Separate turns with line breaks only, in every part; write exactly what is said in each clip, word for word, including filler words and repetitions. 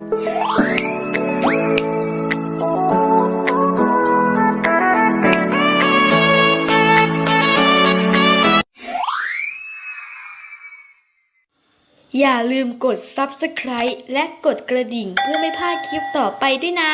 อย่าลืมกด ซับสไครบ์ และกดกระดิ่งเพื่อไม่พลาดคลิปต่อไปด้วยนะ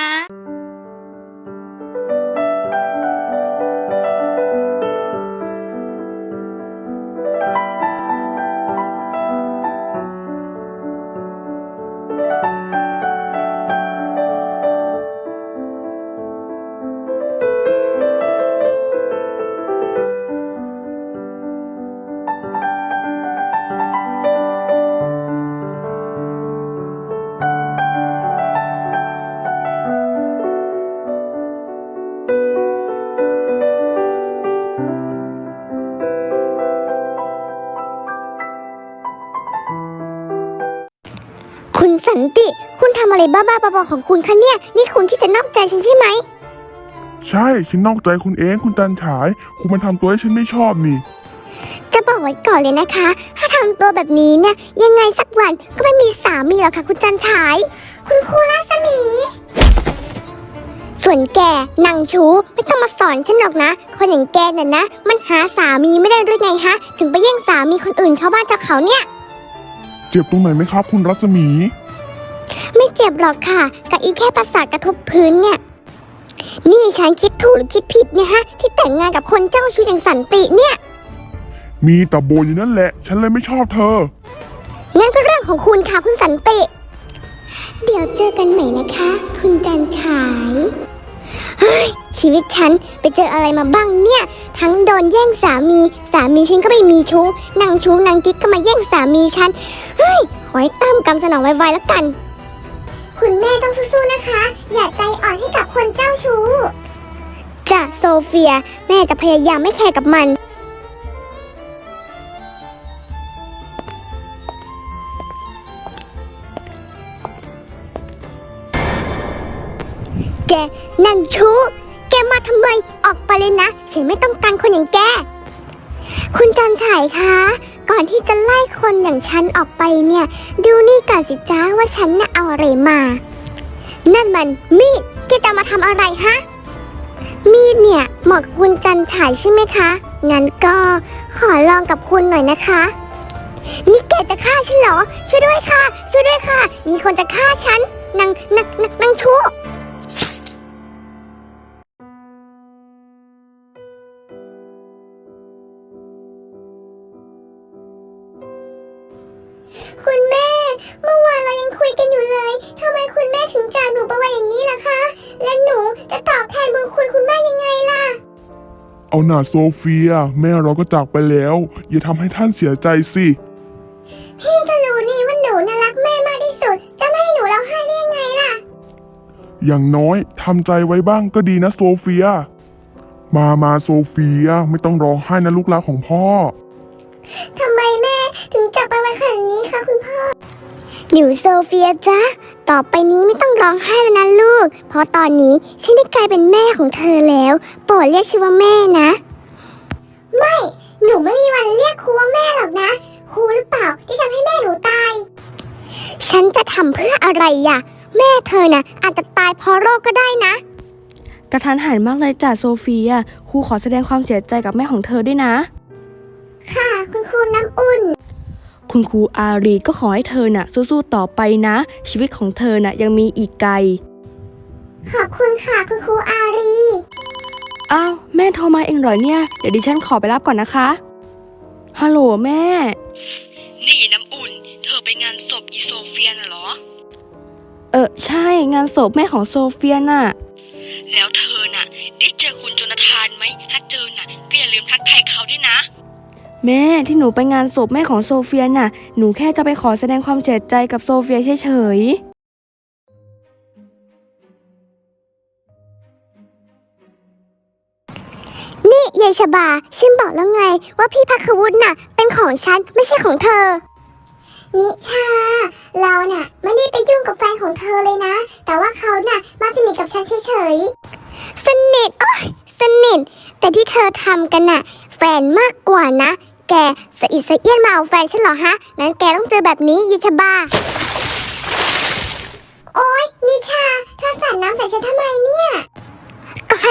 คุณสันติคุณทำอะไรบ้าๆบอๆของคุณคะเนี่ยนี่คุณที่จะนอกใจฉันใช่ไหม
ใช่ฉันนอกใจคุณเองคุณจันฉายคุณมาทำตัวให้ฉันไม่ชอบนี่
จะบอกไว้ก่อนเลยนะคะถ้าทำตัวแบบนี้เนี่ยยังไงสักวันก็ไม่มีสามีหรอกค่ะคุณจันฉายคุณครูรัศมีส่วนแกนางชูไม่ต้องมาสอนฉันหรอกนะคนอย่างแกน่ะนะมันหาสามีไม่ได้หรือไงฮะถึงไปแย่งสามีคนอื่นชาวบ้านชาวเขาเนี่ย
เจ็บตรงไหนไหมครับคุณรัศมี
ไม่เจ็บหรอกค่ะกับอีแค่ประสาทกระทบพื้นเนี่ยนี่ฉันคิดถูกหรือคิดผิดเนี่ยฮะที่แต่งงานกับคนเจ้าชู้อย่างสันติเนี่ย
มีแต่โบอยู่นั่นแหละฉันเลยไม่ชอบเธอ
งั้นก็เรื่องของคุณค่ะคุณสันติเดี๋ยวเจอกันใหม่นะคะคุณจันฉายเฮ้ยชีวิตฉันไปเจออะไรมาบ้างเนี่ยทั้งโดนแย่งสามีสามีฉันก็ไม่มีชู้นางชู้นางกิ๊กก็มาแย่งสามีฉันเฮ้ยขอให้ตามกรรมสนองไวๆแล้วกันคุณแม่ต้องสู้ๆนะคะอย่าใจอ่อนให้กับคนเจ้าชู้จ้ะโซเฟียแม่จะพยายามไม่แคร์กับมันแกนางชู้แกมาทำไมออกไปเลยนะฉันไม่ต้องการคนอย่างแกคุณจันฉายคะก่อนที่จะไล่คนอย่างฉันออกไปเนี่ยดูนี่ก่อนสิจ้าว่าฉันน่ะเอาอะไรมานั่นมันมีดแกจะมาทำอะไรฮะมีดเนี่ยเหมาะกับคุณจันฉายใช่ไหมคะงั้นก็ขอลองกับคุณหน่อยนะคะนี่แกจะฆ่าฉันเหรอช่วยด้วยค่ะช่วยด้วยค่ะมีคนจะฆ่าฉันนางนางนางนางชู้คุณแม่เมื่อวานเรายังคุยกันอยู่เลยทำไมคุณแม่ถึงจากหนูไปไว้อย่างนี้ล่ะคะและหนูจะตอบแทนบุญคุณคุณแม่ยังไงล่ะ
เอาหน่าโซเฟียแม่เราก็จากไปแล้วอย่าทำให้ท่านเสียใจสิ
พี่ก็รู้นี่ว่าหนูน่ารักแม่มากที่สุดจะไม่ให้หนูร้องไห้ได้ยังไงล่ะ
อย่างน้อยทำใจไว้บ้างก็ดีนะโซเฟียมามาโซเฟียไม่ต้องร้องไห้นะลูกรักของพ่อ
ทำไมแม่ถึงจากไปไวขนาดนี้คะคุณพ่อหนูโซเฟียจ๊ะต่อไปนี้ไม่ต้องร้องไห้แล้วนะลูกเพราะตอนนี้ฉันได้กลายเป็นแม่ของเธอแล้วโปรดเรียกฉันว่าแม่นะไม่หนูไม่มีวันเรียกครูว่าแม่หรอกนะครูหรือเปล่าที่ทำให้แม่หนูตายฉันจะทำเพื่ออะไรอ่ะแม่เธอน่ะอาจจะตายเพราะโรคก็ได้นะ
กระทันหันมากเลยจ้ะโซเฟียครูขอแสดงความเสียใจกับแม่ของเธอด้วยนะ
ค่ะคุณครูน้ำอุ่น
คุณครูอารีก็ขอให้เธอน่ะสู้ๆต่อไปนะชีวิตของเธอน่ะยังมีอีกไกล
ขอบคุณค่ะคุณครูอารี
อ้าวแม่โทรมาเองเหรอเนี่ยเดี๋ยวดิฉันขอไปรับก่อนนะคะฮัลโหลแม่นี่น้ำอุ่นเธอไปงานศพอีโซเฟียน่ะเหรอเออใช่งานศพแม่ของโซเฟียน่ะแล้วเธอน่ะได้เจอคุณโจนาธานไหมถ้าเจอน่ะก็อย่าลืมทักทายเขาด้วยนะแม่ที่หนูไปงานศพแม่ของโซเฟียน่ะหนูแค่จะไปขอแสดงความเสียใจกับโซเฟียเฉย
ๆนี่ยายชบาฉันบอกแล้วไงว่าพี่ภัควุฒิน่ะเป็นของฉันไม่ใช่ของเธอนิชาเราน่ะไม่ได้ไปยุ่งกับแฟนของเธอเลยนะแต่ว่าเขาน่ะมาสนิทกับฉันเฉยๆสนิทโอ๊ยสนิทแต่ที่เธอทำกันน่ะแฟนมากกว่านะแกสะอิดสะเอี้ยนมาเอาแฟนฉันเหรอฮะนั้นแกต้องเจอแบบนี้ยิชบาโอ๊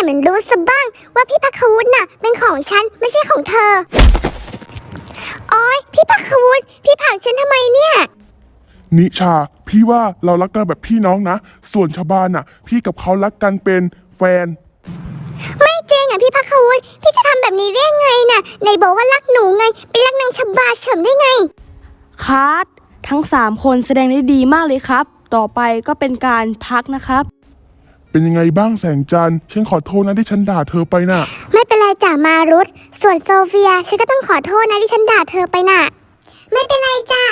เหมือนรู้ซะบ้างว่าพี่พักวุฒิน่ะเป็นของฉันไม่ใช่ของเธอโอ๊ยพี่พักวุฒิพี่ผลักฉันทำไมเนี่ย
นิชา พี่ว่าเรารักกันแบบพี่น้องนะ ส่วนชาวบ้านน่ะ พี่กับเขารักกันเป็นแฟน
ไม่จริงอ่ะพี่พักวุฒิพี่จะทำแบบนี้ได้ไงน่ะไหนบอกว่ารักหนูไงไปรักนางชบาเฉิมได้ไง
คัดทั้งสามคนแสดงได้ดีมากเลยครับ ต่อไปก็เป็นการพักนะครับ
เป็นยังไงบ้างแสงจันทร์ฉันขอโทษนะที่ฉันด่าเธอไปน่ะ
ไม่เป็นไรจ้ะมารุธส่วนโซเฟียฉันก็ต้องขอโทษนะที่ฉันด่าเธอไปน่ะไม่เป็นไรจ้ะ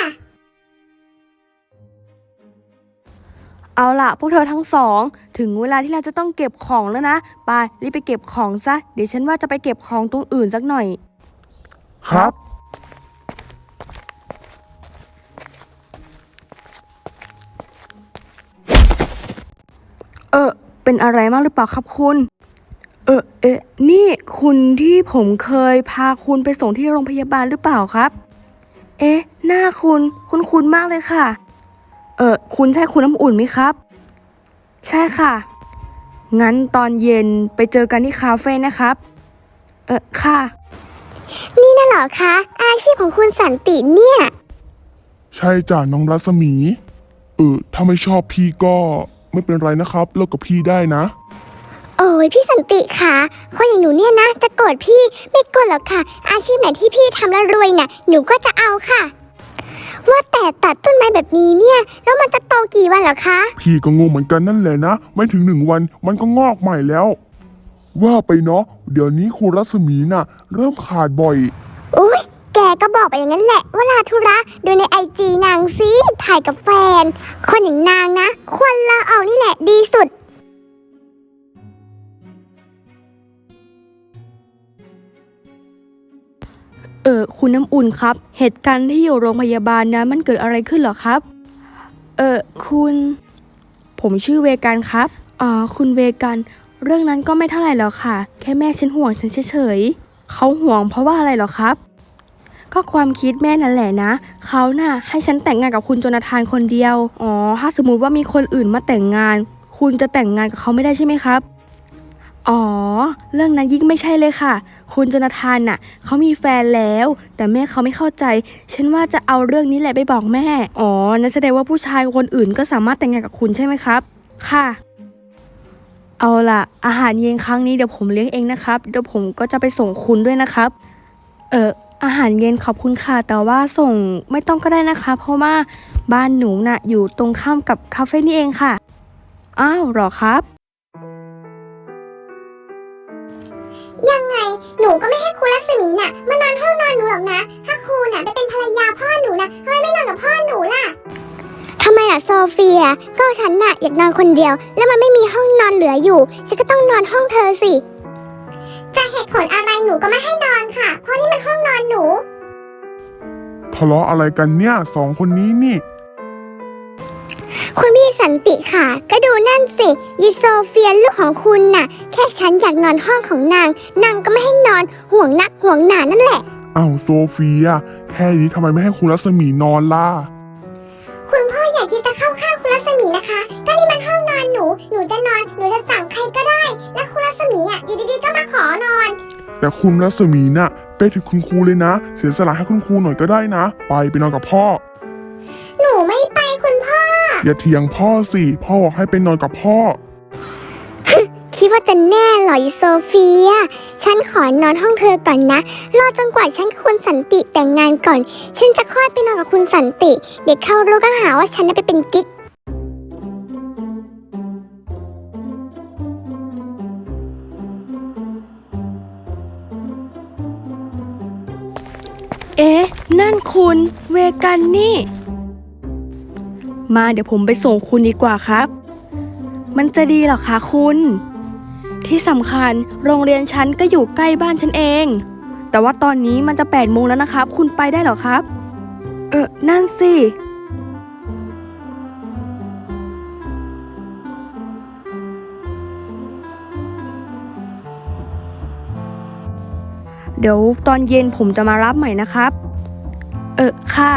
เอาล่ะพวกเธอทั้งสองถึงเวลาที่เราจะต้องเก็บของแล้วนะไปรีบไปเก็บของซะเดี๋ยวฉันว่าจะไปเก็บของตรงอื่นสักหน่อย
ครับ
เออเป็นอะไรมากหรือเปล่าครับคุณเออเอ๊ะนี่คุณที่ผมเคยพาคุณไปส่งที่โรงพยาบาลหรือเปล่าครับเอ๊ะหน้าคุณคุณคุณมากเลยค่ะเออคุณใช่คุณน้ำอุ่นไหมครับใช่ค่ะงั้นตอนเย็นไปเจอกันที่คาเฟ่นะครับเออค่ะ
นี่น่ะเหรอคะอาชีพของคุณสันติเนี่ย
ใช่จ้ะน้องรัศมี เออถ้าไม่ชอบพี่ก็ไม่เป็นไรนะครับเลิกกับพี่ได้นะ
โอ้ยพี่สันติค่ะคนอย่างหนูเนี่ยนะจะโกรธพี่ไม่โกรธหรอกค่ะ อาชีพไหนที่พี่ทำแล้วรวยน่ะหนูก็จะเอาค่ะ ว่าแต่ตัดต้นไม้แบบนี้เนี่ยแล้วมันจะโตกี่วันเหรอคะ
พี่ก็งงเหมือนกันนั่นแหละนะ ไม่ถึงหนึ่งวันมันก็งอกใหม่แล้ว ว่าไปเนาะเดี๋ยวนี้ครูรัศมีน่ะ เริ่มขาดบ่อย
อุ้ยแกก็บอกไปอย่างนั้นแหละว่าลาธุระดูในไอจีนางซิถ่ายกับแฟน คนอย่างนางนะควรลาออกนี่แหละดีสุด
เออคุณน้ำอุ่นครับเหตุการณ์ที่อยู่โรงพยาบาลนะมันเกิดอะไรขึ้นเหรอครับเออคุณผมชื่อเวกันครับอ๋อคุณเวกันเรื่องนั้นก็ไม่เท่าไหร่หรอกค่ะแค่แม่ฉันห่วงฉันเฉยๆเขาห่วงเพราะว่าอะไรหรอครับก็ความคิดแม่นั่นแหละนะเขาน่ะให้ฉันแต่งงานกับคุณโจนาธานคนเดียวอ๋อถ้าสมมุติว่ามีคนอื่นมาแต่งงาน คุณจะแต่งงานกับเขาไม่ได้ใช่ไหมครับอ๋อเรื่องนั้นยิ่งไม่ใช่เลยค่ะคุณโจนาธานน่ะเขามีแฟนแล้วแต่แม่เขาไม่เข้าใจฉันว่าจะเอาเรื่องนี้แหละไปบอกแม่อ๋อนั่นแสดงว่าผู้ชายคนอื่นก็สามารถแต่งงานกับคุณใช่ไหมครับค่ะเอาล่ะอาหารเย็นครั้งนี้เดี๋ยวผมเลี้ยงเองนะครับเดี๋ยวผมก็จะไปส่งคุณด้วยนะครับเอออาหารเย็นขอบคุณค่ะแต่ว่าส่งไม่ต้องก็ได้นะคะเพราะว่าบ้านหนูน่ะอยู่ตรงข้ามกับคาเฟ่นี่เองค่ะอ้าวเหรอครับ
ยังไงหนูก็ไม่ให้ครูรัศมีน่ะมานอนห้องนอนหนูหรอกนะ ถ้าครูน่ะไปเป็นภรรยาพ่อหนูนะทำไมไม่นอนกับพ่อหนูล่ะทำไมล่ะโซเฟียก็ฉันน่ะอยากนอนคนเดียว แล้วมันไม่มีห้องนอนเหลืออยู่ฉันก็ต้องนอนห้องเธอสิจะเหตุผลอะไรหนูก็ไม่ให้นอนค่ะ เพราะนี่มันห้องนอนหนู
ทะเลาะอะไรกันเนี่ยสองคนนี้นี่
คุณพี่สันติค่ะ ก็ดูนั่นสิยีโซเฟียลูกของคุณน่ะ แค่ฉันอยากนอนห้องของนางนางก็ไม่ให้นอนห่วงนักห่วงหนานั่นแหละ
อ้าวโซเฟีย แค่นี้ทำไมไม่ให้ครูรัศมีนอนล่ะ
คุณพ่ออย่าคิดจะเข้าข้างคุณรัศมีนะคะ ก็นี่มันห้องนอนหนู หนูจะนอน หนูจะสั่งใครก็ได้ และคุณรัศมีอ่ะอยู่ดีๆก็มาขอนอน
แต่คุณรัศมีน่ะไปถึงคุณครูเลยนะ เสียสละให้คุณครูหน่อยก็ได้นะ ไปไปนอนกับพ่อ
หนูไม่ไปคุณพ่อ
อย่าเถียงพ่อสิ พ่อบอกให้ไปนอนกับพ่อ
คิดว่าจะแน่เหรออีโซเฟีย ฉันขอนอนห้องเธอก่อนนะ รอจนกว่าฉันกับคุณสันติแต่งงานก่อน ฉันจะค่อยไปนอนกับคุณสันติ เด็กเขารู้ก็หาว่าฉันน่ะไปเป็นกิ๊ก
เอ๊ะนั่นคุณเวกันนี่ มาเดี๋ยวผมไปส่งคุณดีกว่าครับ มันจะดีเหรอคะคุณที่สำคัญโรงเรียนฉันก็อยู่ใกล้บ้านฉันเองแต่ว่าตอนนี้มันจะแปดโมงแล้วนะครับคุณไปได้เหรอครับเออนั่นสิเดี๋ยวตอนเย็นผมจะมารับใหม่นะครับเออค่ะ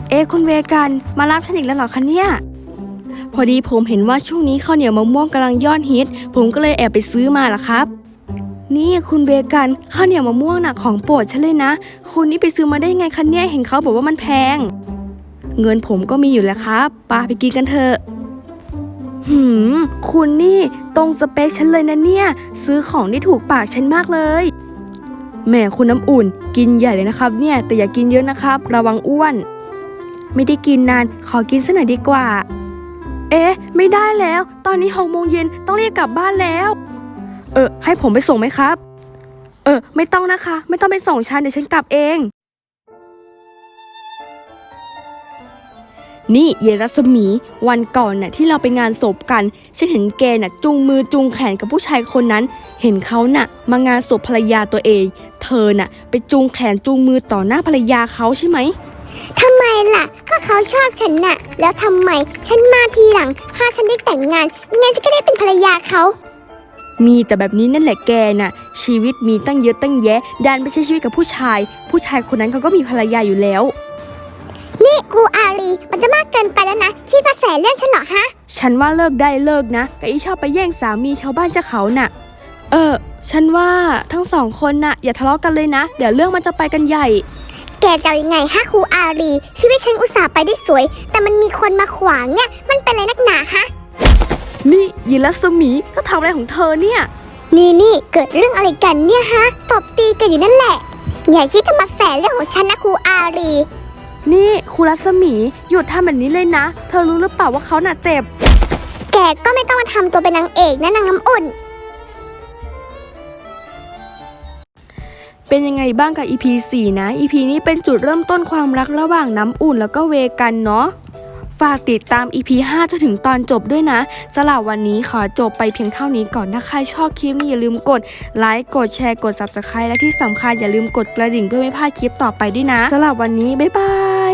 เอ๊ะคุณเวกันมารับฉันอีกแล้วเหรอคะเนี่ยพอดีผมเห็นว่าช่วงนี้ข้าวเหนียวมะม่วงกำลังยอดฮิตผมก็เลยแอบไปซื้อมาล่ะครับนี่คุณเวกันข้าวเหนียวมะม่วงน่ะของโปรดฉันเลยนะคุณนี่ไปซื้อมาได้ไงคะเนี่ยเห็นเขาบอกว่ามันแพงเงินผมก็มีอยู่แล้วครับปาไปกินกันเถอะหืมคุณนี่ตรงสเปคฉันเลยนะเนี่ยซื้อของที่ถูกปากฉันมากเลยแหมคุณน้ำอุ่นกินใหญ่เลยนะครับเนี่ยแต่อย่ากินเยอะนะครับระวังอ้วนไม่ได้กินนานขอกินสักหน่อยดีกว่าเอ๊ะไม่ได้แล้วตอนนี้หกโมงเย็นต้องรีบกลับบ้านแล้วเออให้ผมไปส่งไหมครับเออไม่ต้องนะคะไม่ต้องไปส่งฉันเดี๋ยวฉันกลับเองนี่เยรัศมีวันก่อนน่ะที่เราไปงานศพกันฉันเห็นแกน่ะจูงมือจูงแขนกับผู้ชายคนนั้นเห็นเขาน่ะมางานศพภรรยาตัวเองเธอน่ะไปจูงแขนจูงมือต่อหน้าภรรยาเขาใช่ไหม
ทำไมล่ะก็เขาชอบฉันน่ะแล้วทำไมฉันมาทีหลังถ้าฉันได้แต่งงานงั้นฉันก็ได้เป็นภรรยาเขา
มีแต่แบบนี้นั่นแหละแกน่ะชีวิตมีตั้งเยอะตั้งแยะดันไปใช้ชีวิตกับผู้ชายผู้ชายคนนั้นเขาก็มีภรรยาอยู่แล้ว
นี่ครูอารีมันจะมากเกินไปแล้วนะคิดมาแสเรื่องฉันเหรอฮะ
ฉันว่าเลิกได้เลิกนะกับอีชอบไปแย่งสามีชาวบ้านเจ้าเขาน่ะเออฉันว่าทั้งสองคนน่ะอย่าทะเลาะกันเลยนะเดี๋ยวเรื่องมันจะไปกันใหญ่
แกจะยังไงฮะครูอารีชีวิตฉันอุตส่าห์ไปได้สวยแต่มันมีคนมาขวางเนี่ยมันเป็นอะไรนักหนาฮะ
นี่ยิรัศมีเธอทำอะไรของเธอเนี่ย
นี่นี่เกิดเรื่องอะไรกันเนี่ยฮะตบตีกันอยู่นั่นแหละอย่าคิดจะมาแสเรื่องของฉันนะครูอารี
นี่ครูรัศมีหยุดทำแบบนี้เลยนะเธอรู้หรือเปล่าว่าเขาน่ะเจ็บ
แกก็ไม่ต้องมาทำตัวเป็นนางเอกนะนางน้ำอุ่น
เป็นยังไงบ้างกับ อี พี สี่ นะ อี พี นี้เป็นจุดเริ่มต้นความรักระหว่างน้ำอุ่นแล้วก็เวกันเนาะฝากติดตาม อี พี ห้าจนถึงตอนจบด้วยนะสำหรับวันนี้ขอจบไปเพียงเท่านี้ก่อนถ้าใครชอบคลิปนี้อย่าลืมกดไลค์กดแชร์กด ซับสไครบ์ และที่สำคัญอย่าลืมกดกระดิ่งเพื่อไม่พลาดคลิปต่อไปด้วยนะสำหรับวันนี้บ๊ายบาย